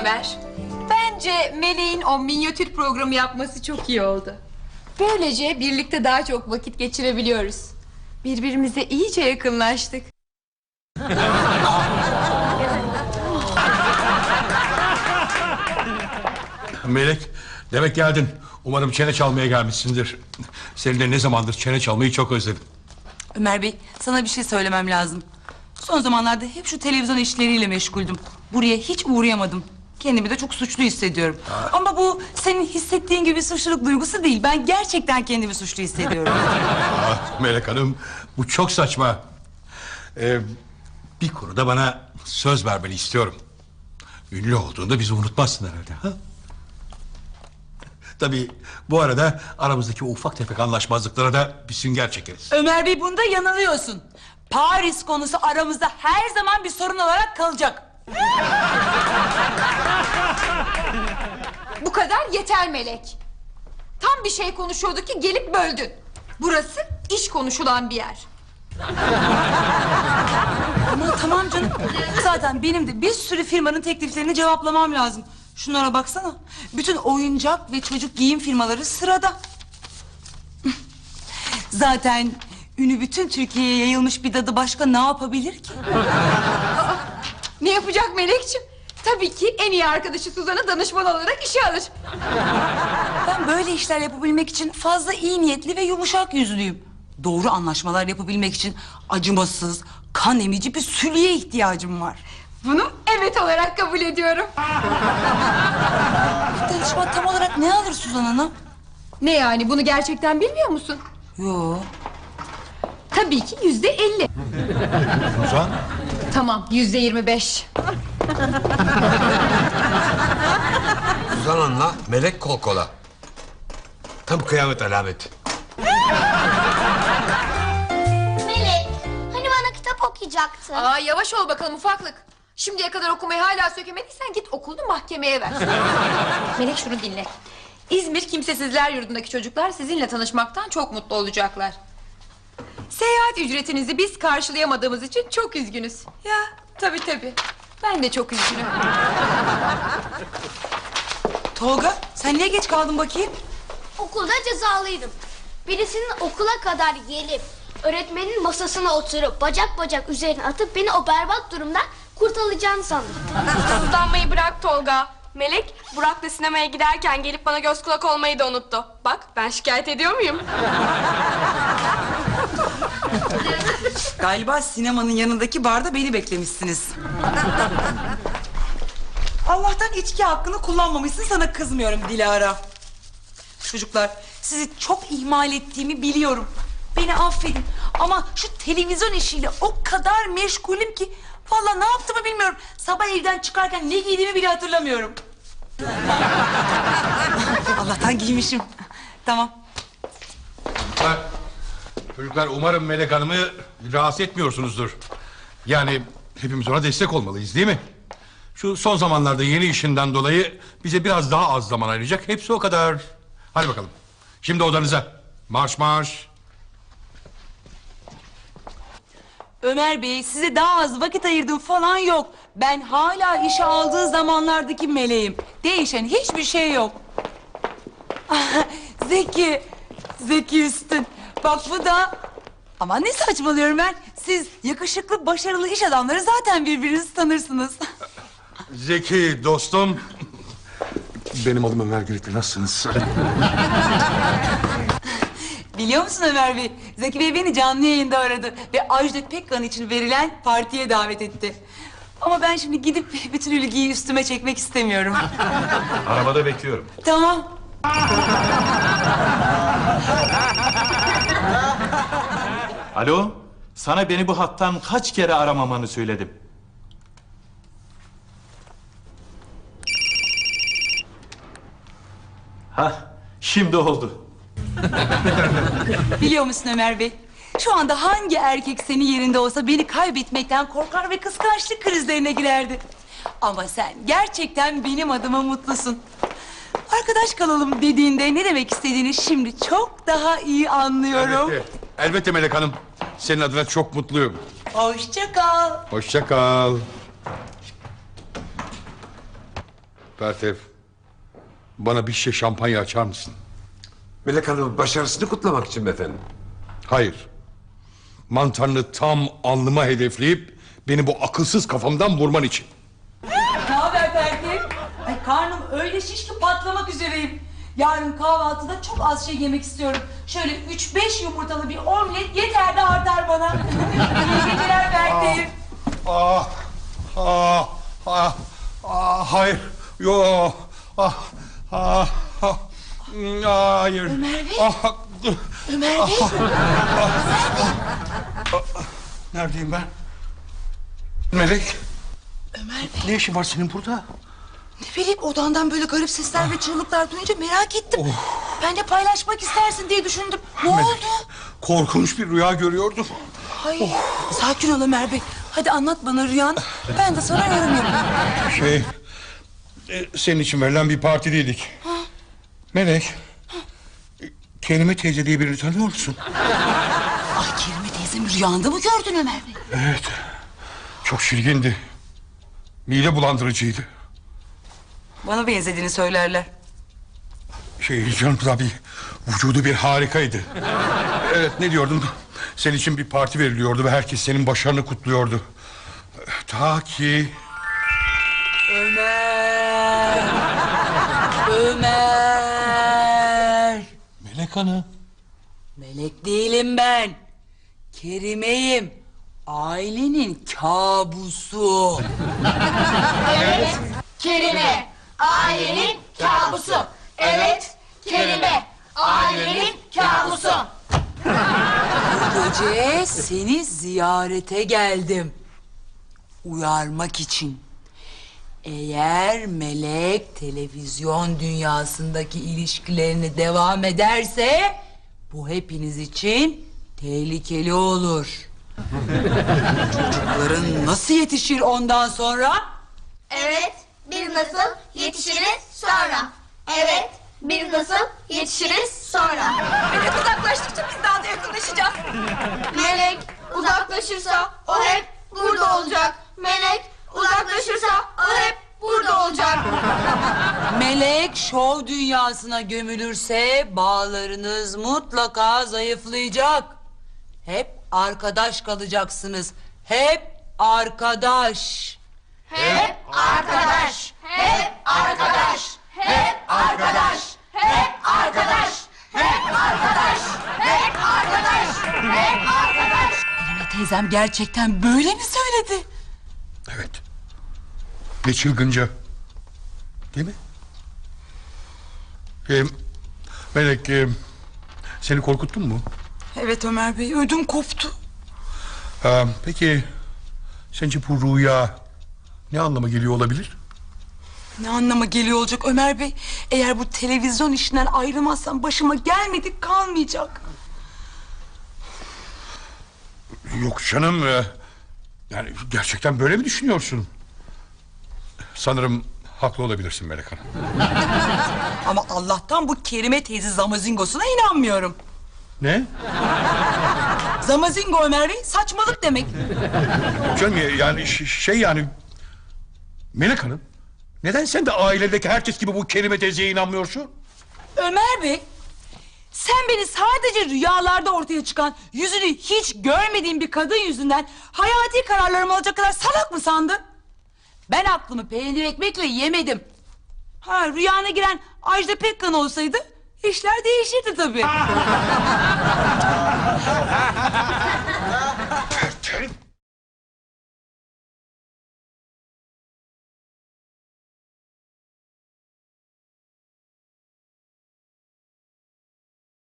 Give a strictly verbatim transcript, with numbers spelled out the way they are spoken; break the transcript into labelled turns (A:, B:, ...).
A: Ömer. Bence Meleğin o minyatür programı yapması çok iyi oldu. Böylece birlikte daha çok vakit geçirebiliyoruz. Birbirimize iyice yakınlaştık.
B: Melek, demek geldin. Umarım çene çalmaya gelmişsindir. Seninle ne zamandır çene çalmayı çok özledim.
C: Ömer Bey, sana bir şey söylemem lazım. Son zamanlarda hep şu televizyon işleriyle meşguldüm. Buraya hiç uğrayamadım. Kendimi de çok suçlu hissediyorum. Ha. Ama bu senin hissettiğin gibi suçluluk duygusu değil. Ben gerçekten kendimi suçlu hissediyorum.
B: Ah, Melek Hanım, bu çok saçma. Ee, bir konuda bana söz vermeni istiyorum. Ünlü olduğunda bizi unutmazsın herhalde. Ha? Tabii bu arada aramızdaki ufak tefek anlaşmazlıklara da bir sünger çekeriz.
C: Ömer Bey, bunda yanılıyorsun. Paris konusu aramızda her zaman bir sorun olarak kalacak.
A: Bu kadar yeter Melek. Tam bir şey konuşuyorduk ki gelip böldün. Burası iş konuşulan bir yer.
C: Ama tamam canım. Zaten benim de bir sürü firmanın tekliflerini cevaplamam lazım. Şunlara baksana. Bütün oyuncak ve çocuk giyim firmaları sırada. Zaten ünü bütün Türkiye'ye yayılmış bir dadı başka ne yapabilir ki?
A: Aa, ne yapacak Melekciğim? Tabii ki en iyi arkadaşı Suzan'ı danışman olarak işe alır.
C: Ben böyle işler yapabilmek için fazla iyi niyetli ve yumuşak yüzlüyüm. Doğru anlaşmalar yapabilmek için acımasız, kan emici bir sülüye ihtiyacım var.
A: Bunu evet olarak kabul ediyorum.
C: Bu danışman tam olarak ne alır Suzan Hanım?
A: Ne yani, bunu gerçekten bilmiyor musun?
C: Yo.
A: Tabii ki yüzde elli.
B: Suzan?
A: Tamam, yüzde yirmi beş.
D: Suzan Hanım'la Melek kol kola. Tam kıyamet alameti.
E: Melek, hani bana kitap okuyacaktın?
A: Aa, yavaş ol bakalım ufaklık. Şimdiye kadar okumayı hala sökemediysen git okulunu mahkemeye ver. Melek, şunu dinle. İzmir Kimsesizler Yurdu'ndaki çocuklar sizinle tanışmaktan çok mutlu olacaklar. Seyahat ücretinizi biz karşılayamadığımız için çok üzgünüz. Ya tabii tabii. Ben de çok üzgünüm.
C: Tolga, sen niye geç kaldın bakayım?
E: Okulda cezalıydım. Birisinin okula kadar gelip öğretmenin masasına oturup bacak bacak üzerine atıp beni o berbat durumdan kurtaracağını sandım.
F: Sızlanmayı bırak Tolga. Melek, Burak'la sinemaya giderken gelip bana göz kulak olmayı da unuttu. Bak, ben şikayet ediyor muyum?
C: Galiba sinemanın yanındaki barda beni beklemişsiniz. Allah'tan içki hakkını kullanmamışsın, sana kızmıyorum Dilara. Çocuklar, sizi çok ihmal ettiğimi biliyorum. Beni affedin ama şu televizyon işiyle o kadar meşgulüm ki vallahi ne yaptığımı bilmiyorum. Sabah evden çıkarken ne giydiğimi bile hatırlamıyorum. Allah'tan giymişim. Tamam.
B: Çocuklar, çocuklar umarım Melek Hanım'ı rahatsız etmiyorsunuzdur. Yani hepimiz ona destek olmalıyız, değil mi? Şu son zamanlarda yeni işinden dolayı bize biraz daha az zaman ayıracak. Hepsi o kadar. Hadi bakalım. Şimdi odanıza. Marş marş.
C: Ömer Bey, size daha az vakit ayırdım falan yok. Ben hala işe aldığı zamanlardaki meleğim. Değişen hiçbir şey yok. Zeki, Zeki Üstün. Bak bu da... Aman ne saçmalıyorum ben. Siz yakışıklı, başarılı iş adamları zaten birbirinizi tanırsınız.
B: Zeki dostum. Benim adım Ömer Giritli, nasılsınız?
C: Biliyor musun Ömer Bey? Zeki Bey beni canlı yayında aradı ve Ajda Pekkan için verilen partiye davet etti. Ama ben şimdi gidip bütün ilgiyi üstüme çekmek istemiyorum.
B: Arabada bekliyorum.
C: Tamam.
G: Alo, sana beni bu hattan kaç kere aramamanı söyledim. Hah, şimdi oldu.
C: Biliyor musun Ömer Bey? Şu anda hangi erkek senin yerinde olsa beni kaybetmekten korkar ve kıskançlık krizlerine girerdi. Ama sen gerçekten benim adıma mutlusun. Arkadaş kalalım dediğinde ne demek istediğini şimdi çok daha iyi anlıyorum.
B: Elbette, elbette Melek Hanım. Senin adına çok mutluyum.
C: Hoşça kal.
B: Hoşça kal. Pertev, bana bir şişe şampanya açar mısın?
D: Melek Hanım'ın başarısını kutlamak için mi efendim?
B: Hayır. Mantarını tam alnıma hedefleyip beni bu akılsız kafamdan vurman için.
C: Ne haber Berke? Ay karnım öyle şiş ki patlamak üzereyim. Yarın kahvaltıda çok az şey yemek istiyorum. Şöyle üç beş yumurtalı bir omlet yeter de artar bana. İyi geceler Berke.
B: Ah, ah, ah, ah, hayır, yo, ah, ah, ah, mm, hayır.
C: Ömer Bey.
B: Ah,
C: Ömer Bey.
B: neredeyim ben? Melek,
C: Ömer Bey.
B: ne işin var senin burada?
C: Ne bileyim odandan böyle garip sesler ve çığlıklar duyunca merak ettim. Ben de paylaşmak istersin diye düşündüm. Ne oldu?
B: Korkunç bir rüya görüyordum.
C: Ay, sakin ol Ömer Bey. Hadi anlat bana rüyanı. Ben de sana yorum yapayım.
B: Şey, e, senin için verilen bir partideydik. Melek, e, Kerime teyze diye birini tanıyor musun?
C: Ay Kerime teyzemi rüyanda mı gördün Ömer Bey?
B: Evet, çok şirgindi. Mide bulandırıcıydı.
C: Bana benzediğini söylerler.
B: Şey canım tabii, vücudu bir harikaydı. Evet, ne diyordum? Senin için bir parti veriliyordu ve herkes senin başarını kutluyordu. Ta ki...
C: Ömer. Ömer.
B: Melek Hanım.
C: Melek değilim ben. Kerime'yim. Ailenin kabusu.
A: Kerime, ailenin kabusu. Evet, Kerime, ailenin kabusu.
C: Bu gece seni ziyarete geldim. Uyarmak için. Eğer Melek televizyon dünyasındaki ilişkilerini devam ederse... ...bu hepiniz için tehlikeli olur. Çocukların nasıl yetişir ondan sonra?
E: Evet, biz nasıl yetişiriz sonra. Evet, biz nasıl yetişiriz sonra.
A: Melek uzaklaştıkça biz daha da yakınlaşacağız.
E: Melek uzaklaşırsa o hep burada olacak. Melek uzaklaşırsa o hep burada olacak.
C: Melek şov dünyasına gömülürse bağlarınız mutlaka zayıflayacak. Hep arkadaş kalacaksınız. Hep arkadaş.
E: Hep arkadaş, hep arkadaş, hep arkadaş, hep arkadaş, hep arkadaş, hep arkadaş, hep arkadaş.
C: Kerime teyzem gerçekten böyle mi söyledi?
B: Evet. Ne çılgınca. Değil mi? Ee, Melek, e, seni korkuttun mu?
C: Evet Ömer Bey, ödüm koptu.
B: Ha, peki, sence bu rüya ne anlama geliyor olabilir?
C: Ne anlama geliyor olacak Ömer Bey? Eğer bu televizyon işinden ayrılmazsam başıma gelmedik kalmayacak.
B: Yok canım. e, Yani gerçekten böyle mi düşünüyorsun? Sanırım haklı olabilirsin Melek Hanım.
C: Ama Allah'tan bu Kerime teyze zamazingosuna inanmıyorum.
B: Ne?
C: Zamazingo Ömer Bey saçmalık demek.
B: Canım ya- yani ş- şey yani... Melek Hanım, neden sen de ailedeki herkes gibi bu Kerime teyzeye inanmıyorsun?
C: Ömer Bey, sen beni sadece rüyalarda ortaya çıkan, yüzünü hiç görmediğim bir kadın yüzünden hayati kararlarımı alacak kadar salak mı sandın? Ben aklımı peynir ekmekle yemedim. Ha, rüyana giren Ajda Pekkan olsaydı işler değişirdi tabii.